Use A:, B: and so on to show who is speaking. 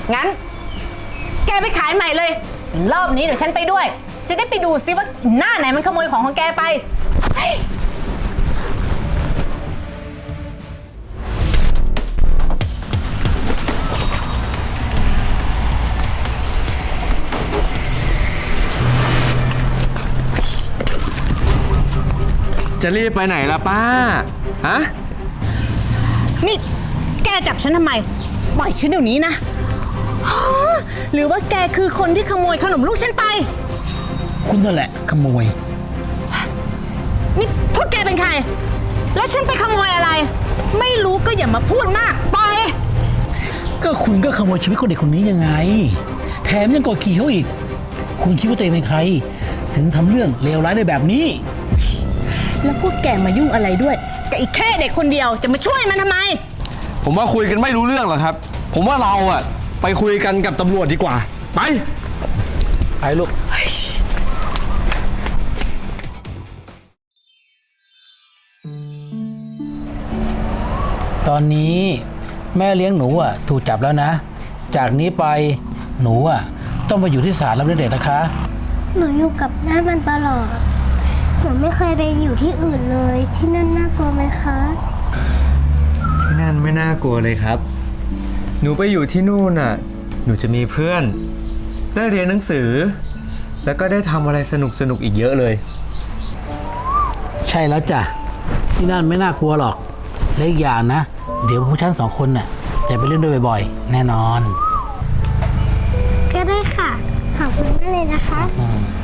A: งั้นแกไปขายใหม่เลยรอบนี้เดี๋ยวฉันไปด้วยจะได้ไปดูซิว่าหน้าไหนมันขโมยของแกไป
B: จะรีบไปไหนล่ะป้า ฮะ
A: นี่แกจับฉันทำไมปล่อยฉันเดี๋ยวนี้นะหรือว่าแกคือคนที่ขโมยขนมลูกฉันไป
C: คุณนั่นแหละขโมย
A: นี่พวกแกเป็นใครแล้วฉันไปขโมยอะไรไม่รู้ก็อย่ามาพูดมากปล่อย
C: ก็คุณก็ขโมยชีวิตคนเด็กคนนี้ยังไงแถมยังกดขี่เขาอีกคุณคิดว่าตัวเองเป็นใครถึงทำเรื่องเลวร้ายได้แบบนี้
A: แล้วพวกแกมายุ่งอะไรด้วยกับอีกแค่เด็กคนเดียวจะมาช่วยมันทำไม
B: ผมว่าคุยกันไม่รู้เรื่องหรอกครับ ผมว่าเราอะไปคุยกันกับตำรวจดีกว่าไป
C: ลูกตอนนี้แม่เลี้ยงหนูอ่ะถูกจับแล้วนะจากนี้ไปหนูอ่ะต้องมาอยู่ที่ศาลรับเลี้ยงเด็กนะคะ
D: หนูอยู่กับแม่มันตลอดหนูไม่เคยไปอยู่ที่อื่นเลยที่นั่นน่ากลัวไหมคะ
B: ที่นั่นไม่น่ากลัวเลยครับหนูไปอยู่ที่นู่นน่ะหนูจะมีเพื่อนได้เรียนหนังสือแล้วก็ได้ทำอะไรสนุกอีกเยอะเลย
C: ใช่แล้วจ้ะที่นั่นไม่น่ากลัวหรอกและอีกอย่างนะเดี๋ยวพวกฉัน2 คนน่ะจะไปเล่นด้วยบ่อยๆแน่นอน
D: ก็ได้ค่ะขอบคุณมากเลยนะคะ